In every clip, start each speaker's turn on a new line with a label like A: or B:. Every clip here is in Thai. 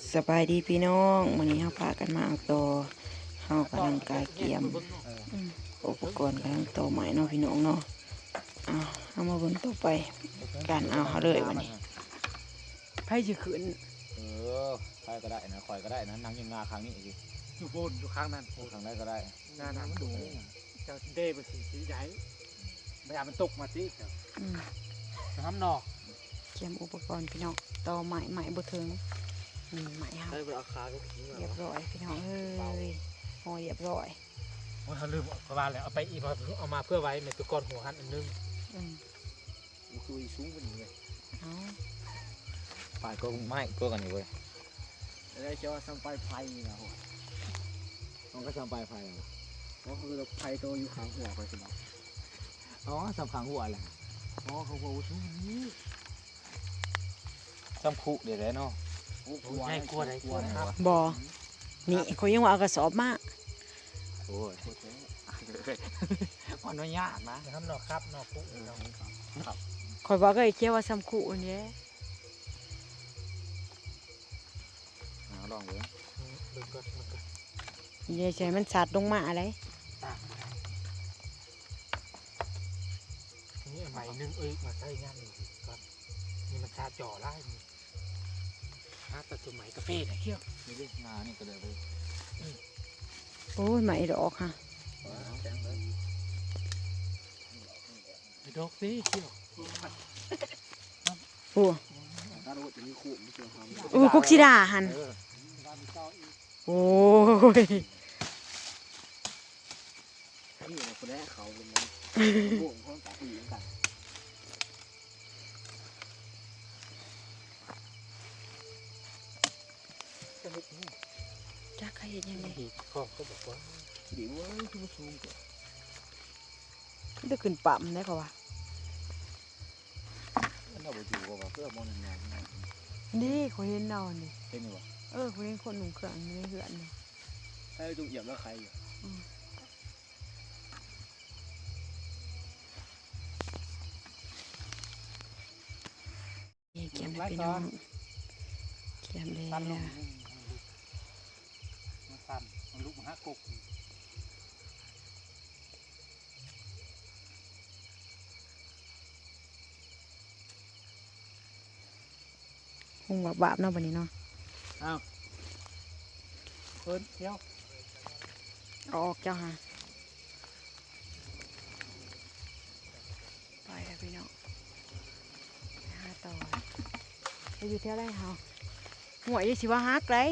A: สบายดีพี่น้องวันนี้เราพากันมาเอาตัวเฮากำลังกายเกียมอุปกรณ์กำลังตัวใหม่เนาะพี่น้องเนาะเอามาเบิ่งต่อไปการเอาเขาเลยวันนี้ไพ่จะขึ้น
B: ใครก็ได้นะคอยก็ได้นะนั่งยังงาครั้งนี้สิ
C: อยู่บนอยู่ข้างนั้น
B: ครั้งได้ก็ได้
C: หน้าน้ำดูจะเด้ไปสีใหญ่ไม่อยากมันตกมาสิจะทำนอก
A: เกียมอุปกรณ์พี่น้องต่อใหม่บ่ถึงใหม่ครับ
B: ได้เป็นอาคาก็ขี้
A: เรียบร้อยพี่น้องเอ้ยหอเรียบร้อย
C: เขาลืมประมาณแล้วเอาไปอีกเอามาเพื่อไว้ในตัวก้อนหัวหันอันนึง
B: มันคือสูงกว่านี้เลย
A: เอา
B: ปลายก็ไม่ก็กันอยู่เว้ย
C: ได้เจ้าสัมไปไฟนะหัว
B: มันก็สัมปลายไฟ
C: ก็คือไฟตัวอยู่ข้างหัวไปสิเนาะ
B: อ๋อสัมขังหัวแหละ
C: อ๋อเขาบอกว่าช่วงนี้
B: สัมผูเดี๋ยวได้เนาะ
C: ใช่กลัวไหนกลัวนะครับ
A: บ่นี่เขายังว่าเอากระสอบมา
B: โอ้ยมันไม่ยากนะ
C: ทำนอกครับนอกปุ๊
B: ครับ
A: คอยบอกก็ไอ้เกี่ยวว่าซ้ำคู่อันนี้
B: ลองเลย
A: นี่ใช่มันสัตว์ลงมาอะไร
C: นี่ใหม่นึงมาใช้งานหนึ่งก่อนนี่มันชาจ่อไล่ถ้าตัดตัวใหม่กาแฟไหนเขี้ยว
B: นี่ดิงานี่ก็เลยไป
A: โอ้ยใหม่ดอกค่ะ
C: ดอกสิเขี้ยว
A: โอ้คุกชิดาหันโอ้ย
C: นี่คนแรกเขาเป็นพวกเขาตัดผู้หญิงกัน
A: จ้าใครเห็นยังไง
C: ก็บอกว่าเดี๋ยวคือมาซูมก่อน
A: จะขึ้นปั๊มได้ป่าวะ
B: เราไปอยู่กับเพื่อมองงาน
A: นี่เขาเห็นเราเนี่ย
B: เห็นไหมวะ
A: เขาเห็นคนหนุ่มเครื่องนี่เหือนเนี่ย
C: ใช่จุ่มเหยียบแล้วใครอยู่
A: เกียมได้พี่น้องเกียมได้
C: ตันลงมันตันมันลุกมาหากก
A: คงบาปเนาะวันนี้เนาะ
C: อ้าวเพิ่นเที่ยว
A: ออกเจ้าฮะไปแล้วพี่น้องหาต่อไปอยู่เท่าไรเฮาหัวยี่สิว่าฮักเลย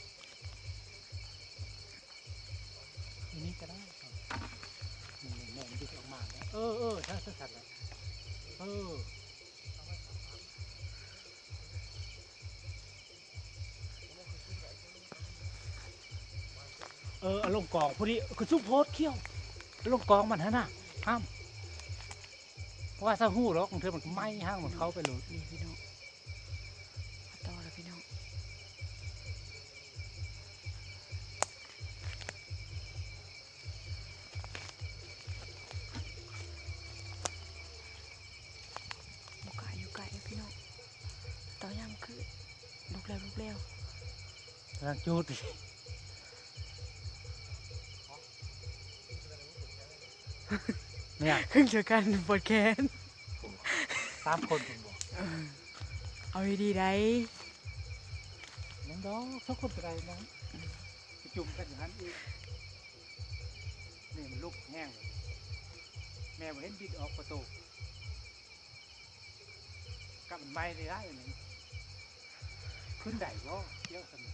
C: อันนี้ก็ได้แม่มันดึกออกมาถ้าสัตว์เลยเอาลงกองพอดีคือซุปโพสเขี้ยวลงกองมันฮะน่ะห้ามเพราะว่าถ้าหู้หรอกของเธอมันไหม้ห้างมันเข้าไปเลย
A: นี่พี่น้องต่อแล้วพี่น้องอยู่ไกลพี่น้องต่อยำคือลุกเร็ว
C: รังจูดเนี่ย
A: ขึ้นเจอกันปวดแขน
C: 3 คนผมบอก
A: เอาดีได้
C: นั่นดอกทุกคนไปได้นะจุ่มกันอย่างนั้นอีกนี่มันลุกแห้งแม่เห็นบิดออกประตูกับมันไม่ได้เลยขึ้นได้ก็เยอะกัน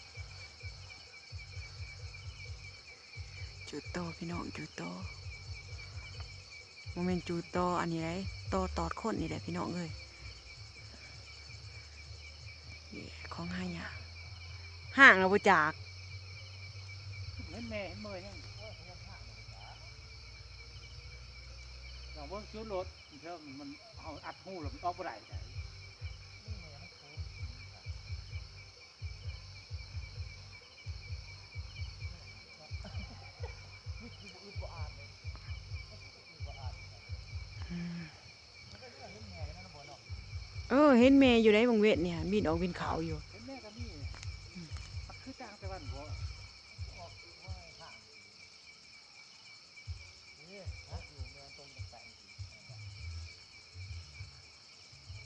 A: จุดโตพี่น้องจุดโตโมเมนต์จูโตอันนี้ไรโตตอดคนนี่แหละพี่น้องเลยของห้างเนี่ยห่างเราไปจาก
C: เห็นแม่เห็นเมย์เนี่ยเราเพิ่งซื้อรถเชื่อมันเอาอัดหูแล้วมันออกไปไหน
A: เห็นแม่อยู่ในบางเวทเนี่ยบินออกบินเขาอยู่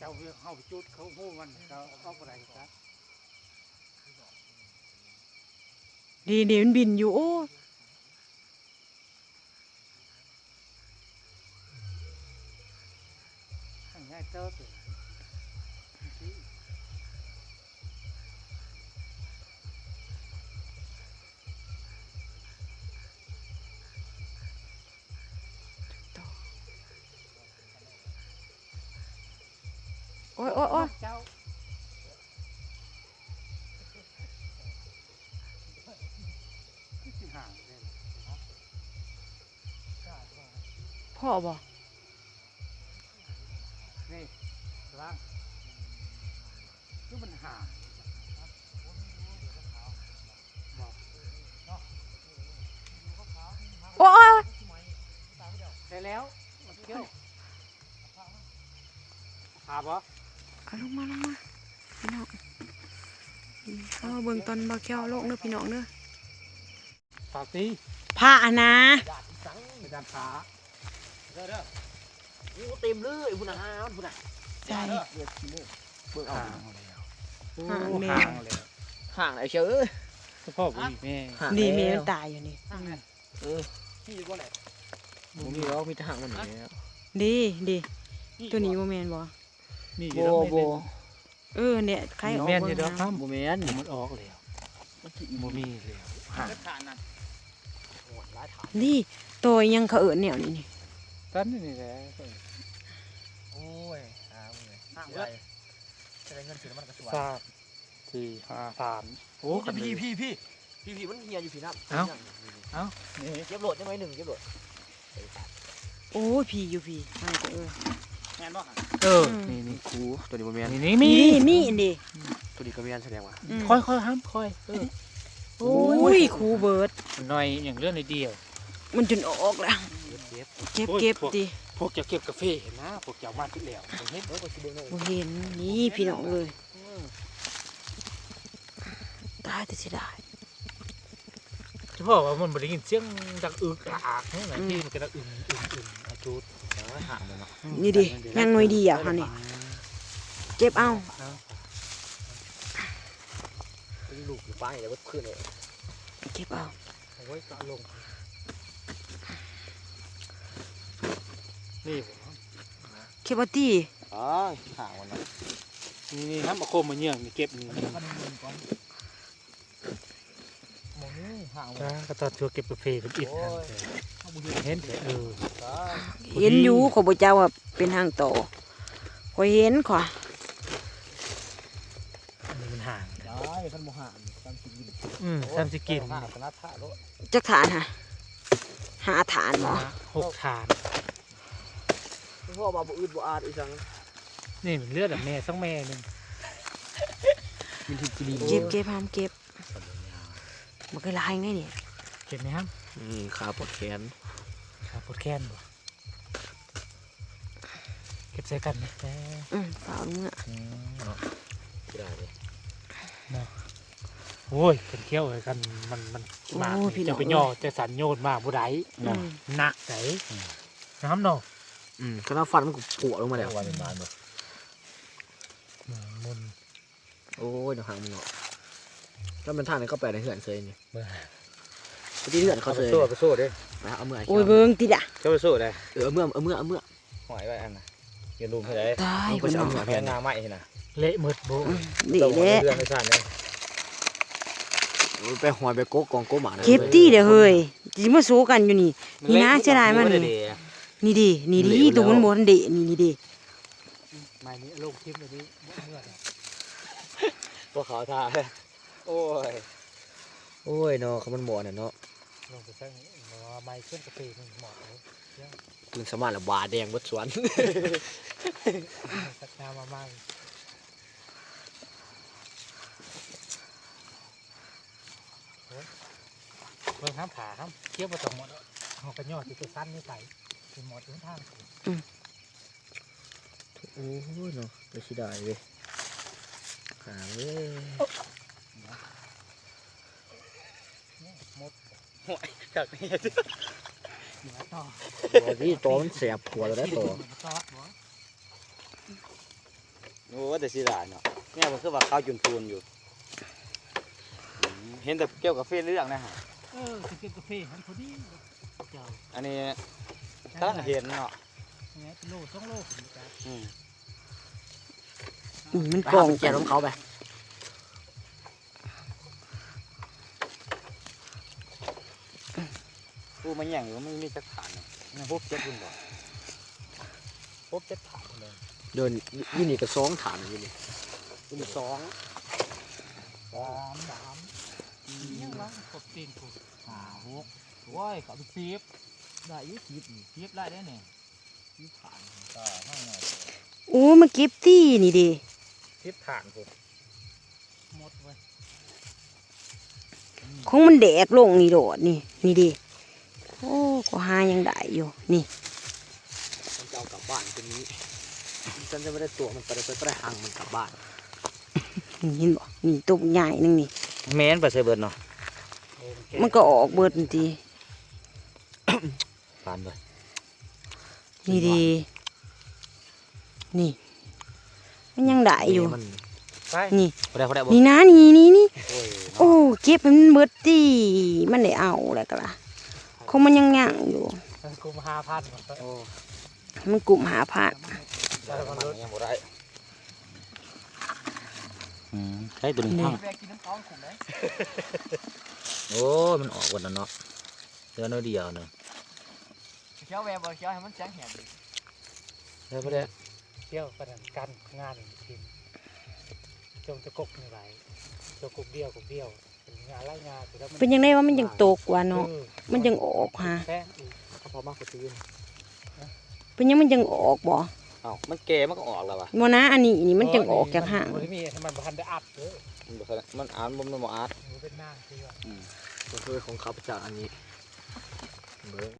C: เจ้าเข้าไปจุดเขาหู้มันเขาเอาอะไรครับ
A: ดีเดี๋ยวมันบินอยู่โอ้
C: ง่ายเจ้าตัว
A: โอ้ยโอ้ยโอ้ย
C: เจ้าห่างเลย
A: พ่อบ่
C: นี่ร่างคือมันห่างบอก
A: โอ้ย
C: ได้แล้วเกี่ยวขาบ่
A: เอาลงมาพี่น้องเอาเบิ่งตอนบ่แก้วโลกเด้อพี่น้องเด้อ
C: ฝากตี
A: ผ้านะ
C: ไปด้านขา
B: เด้อโอ้เต็มเลยพุ่นน่ะพุ่นน่ะ
A: ใช่
B: เรียกขี้มูกเบิ่งเอา
C: ห่างแล้ว
A: ห่างแม่
C: ห่างแล้ว
B: ห่างไอ้เชื่อเอ้ย
C: พ่อกูอีกแม่
A: ดีแม่มันตายอยู่นี่
B: เออพี่อยู่บ่ไหนบ่มีแล้วมีแต่ห่างมันนี่แล้ว
A: ดีตัวนี้บ่แม่นบ่
C: นี่
B: โบ
A: เออเนี่ยใครออก
C: แม่น
A: เบิ่
C: อยู่
A: ง
C: ดอก
A: นะ
C: ครับ
B: บ่แม่น
C: มันออกแล้วบ่มีแล้วห่าง
B: โหดหลายฐาน
A: นี่ตัวยังเขาเอิ้นแนวนี้นี่
C: ตอนนี้แหละ
B: โอ้ยหามึงเลยห่างไว้จะได้เงินซื้อน้ำมันกระสวย
C: สามสี่ห้าสามโอ้
B: โอ้ พี่มันเฮียอยู่พี่น้ำ
C: เอ้านี่
B: เก็บโหลดได้ไหมหนึ่งเก็บโหลด
A: โอ้ยพี่อยู่พี่ห่างเออ
B: แม่นบ่
C: เออ
B: นี่นี่ครูตัวนี้บ่แม่น
C: นี่
A: มี
C: มี
A: อันดิ
B: ตัวนี้ก็แม่นแสดงว่า
A: อืม
C: ค่อยห้ามค่อย
A: โอ้ยครูเบิร์ด
C: หน่อยอย่างเรื่องในเดียว
A: มันจนออกแล้ว
B: เก็บ
A: เก็บดิ
C: พวกจะเก็บกาแฟเห็นนะพวกจะเอามาที่แล้วเห็น
B: เออก็สิเบิ่งเลย
A: บ่เห็นนี่พี่น้องเอ้ยตายแต่เสียดาย
C: เฉพาะว่ามันบริยินเสียงดังอึกอักนี่แหละที่มันก็ดังอึมอาจูด
B: ห่างมันเนาะ
A: นี่ดิยังหน่อยดีอ่ะค่ะนี่เก็บเอา
B: ลูกอยู่ป้ายแล้วก็ขึ้นเลย
A: เก็บเอา
C: เอาไว้ก็ลงนี่
A: เก็บเอาตี
B: อ๋อห่างมันเนาะ
C: นี่ครับมาโคมมาเยี่ยงนี่เก็บนี่
B: มันเงินก่อนมองนี่ห่างมัน
C: จ้าก็ตอนชัวเก็บกาแฟเป็นอิดเห็นเออ
A: เห็นอยู่ขอยบ่เจ้าว่าเป็นทางโตขอยเห็นขอย
C: มันห่าง
B: ได้ขันโมห่างตามสิกิน
C: ทำสิกิน
B: ห่างขนาดท่าโล
A: จักฐานฮะหาฐานบ่
C: 6 ฐาน
B: พ่อมาบ่อืดบ่อาดอีสัง
C: นี่มันเลือดแบบแม่สังแม่นึง
B: มีที่กิน
A: เก็บห้ามเก็บบ่เคยลายไงนี่
C: เก็บไหมครับ
B: นี่ขาปวดแขน
C: ปวดแค้นบ่เก็บใส่กันนะแต่
A: ฝ่าเอาเมื่อ
B: ได้เลย
C: โอ้ยเป็นเขี้ยวเลยกันมันมากจะไปย่อจะสันโยนมากบุได้หนักไหนน้ำเนาะ
B: ก็น่าฟันมันก็ปวดลงมาแล้ววันเป็นบานบ่
C: มุน
B: โอ้ยเดี๋ยวห่างมันเนาะถ้าเป็นท่าไหนก็แปลในเหือนเคยนี่ที่เหือนเขาเคย
C: ไปสู้ดิ
B: ไปเอาเมื่อ
A: โอ้ยเบิ่งติดอ่ะ
C: จะไปสู้ได้
B: เอาเมื่อ
D: หอยไว้อันน่ะอย่าลืมให้ได้
A: ตาย
B: ก็
A: เพิ่น
B: จะเอา
A: เนาะ
B: เมื่อ
D: แพ
B: แพ
D: ง
B: น
D: งาไหมนะ
C: เละมืดโบ
A: ดีแหละ
D: เรื่องไม่สั้นเลย
B: ไปหอยไปโก๊กกองโก๊หมา
A: เก็บตีเด้อเฮ้ยสิมาสู้กันอยู่นี่นี่นะเสียดายมันนี่ดิตัวมันบ่ทันเดะนี่ดิ
C: ไม่นี่ลงทิพย์เลยดิเมื่อ
D: พวกเขาท่าโอ้ย
B: โอ้ยเนาะเขามันบ่อน่ะเนาะ
C: ลงไปซะไม่ขึ้นกระปีมันหมดเลย
B: ปืนสมานละบาแดงบดสวน
C: สักน้ำมาไม่เบิ่งห้ามขาห้ามเคี้ยวมาตรงหมดเอากระยอดที่ตัวสั้นนี่ใส่เป็นหมดทุกทาง
B: โอ้ยเนาะไปสิได้เว้ยหาเว้ย
D: จากนี้
C: เหนือต่อ
B: ตัวที่ตัวมันเสียบหัวเราได้ตัว
C: ซอสบ่
D: โอ้แต่สิหลายเนาะเนี่ยมันคือว่าข้าวจุนปูนอยู่เห็นแต่เกี่ยวกับเฟซเรื่องนะฮะ
C: จะกินกาแฟหันพอดีเจ้า
D: อันนี้กำลังเห็นเนาะ
C: ไงเป็นโล2 โลผมจ้า
A: มัน
B: ไป
A: กล่
B: หา
A: อง
B: ไปแก่น้ำเขาไป
D: ปูมันแย่งอยู่ไม่มีจักฐานเลยนี่พบเจ็ดคุณบอกพบเจ็ดฐานเลย
B: เดินยี่นี่ก็สองฐานอยู่นี่ยี่นี่สอง
D: สาม
C: ยังวะกบตีนกู
D: 6โอ้ยเขาเป็น10ได้อยู่10ได้เนี่ย10ฐานก็ห้าหน่อย
A: โอ้มาเก็บตี้นี่ดิ
D: 10ฐานผม
C: หมดไว้
A: ของมันแดกลงนี่โดดนี่ดิโอ้ก็หายังได้อยู่นี่
B: มันจะเอากลับบ้านตัวนี้ฉันจะไม่ได้ตัวมันไปได้หังมันกลับบ้าน
A: นี่เห็นบ่นี่ตัวใหญ่นึงนี่
D: แม่นไปใส่เบิดเนาะ
A: มันก็ออกเบิดทันที
D: ปานไป
A: นี่ดินี่ มันยังได้อยู่
B: มัน
C: ไป
A: นี่
D: พอได้บ่
A: นี่นะนี่
D: โอ้ย
A: โอ้เก็บให้มันเบิดตีมันได้เอาแล้วก็ล่ะคงมันยังย่างอยู่
C: กูมา5,000มัน
D: โอ้
A: มันกลุ่มหาพาด
D: ได้มันยังบ่ได้ใช่ตัวนี้ทั้ง
C: แบกกินน้ำท้องขุ่มเลย
D: โอ้ยมันออกหมดแล้วเนาะเดือนเดียวนึง
C: เคี้ยวแวบเคี้ยวให้มันแจ้งแหบ
D: ได้บ่ได้
C: เคี้ยวประดันกันงานทีมจงจะกกนี่ไรจะกกเดียวเป็นงานไล่งานแล้วมัน
A: เป็นยังไงว่ามันยังตกกว่าเนาะมันยังออกฮะ
C: แค่
B: ถ้าพอมากกว่าตื่น
A: เป็นยังมันยังออกบ่
D: เอ้ามันแก่มันก็ออกแล้วว่ะ
A: บ่นะอันนี้นี่มันยังออกจากห่าง
C: มันมีมันพันได้อัดเลย
D: มันอ่านมันบ่อ่าน
C: เป็นหน้าคือ
B: มันคือของเขาจากอันนี้